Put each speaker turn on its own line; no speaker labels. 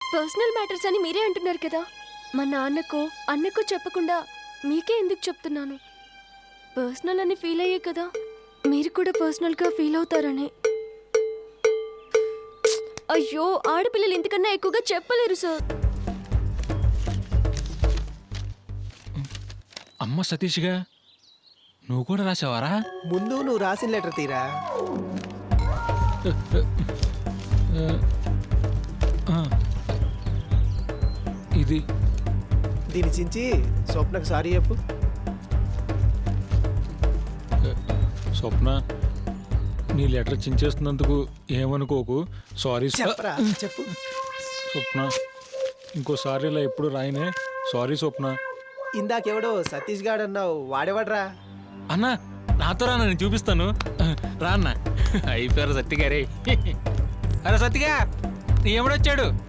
Personal matters అని మీరే అంటున్నారు కదా. మా నాన్నకో అన్నకో చెప్పకుండా మీకే ఎందుకు చెప్తున్నాను? పర్సనల్ అని ఫీల్ అయ్యే కదా మీరు కూడా పర్సనల్గా ఫీల్ అవుతారని. అయ్యో, ఆడపిల్లలు ఇంతకన్నా ఎక్కువగా చెప్పలేరు సార్.
అమ్మ సతీష్గా నువ్వు కూడా రాసావారా?
ముందు నువ్వు రాసిన లెటర్ తీరా.
ఇది
దీని చించి స్వప్నకు సారీ చెప్పు.
స్వప్న, నీ లెటర్ చించేస్తున్నందుకు ఏమనుకోకు. సారీ
చెప్పరా చెప్పు.
స్వప్న, ఇంకోసారి ఇలా ఎప్పుడు రాయనే. సారీ స్వప్న.
ఇందాకెవడో సతీష్ గాడు అన్నావు, వాడేవాడ్రా?
అన్నా నాతో రానా, నేను చూపిస్తాను. రా అన్న. అయిపోయారు సత్తిగారే. అరే సత్తిగా, నీ ఎవడొచ్చాడు?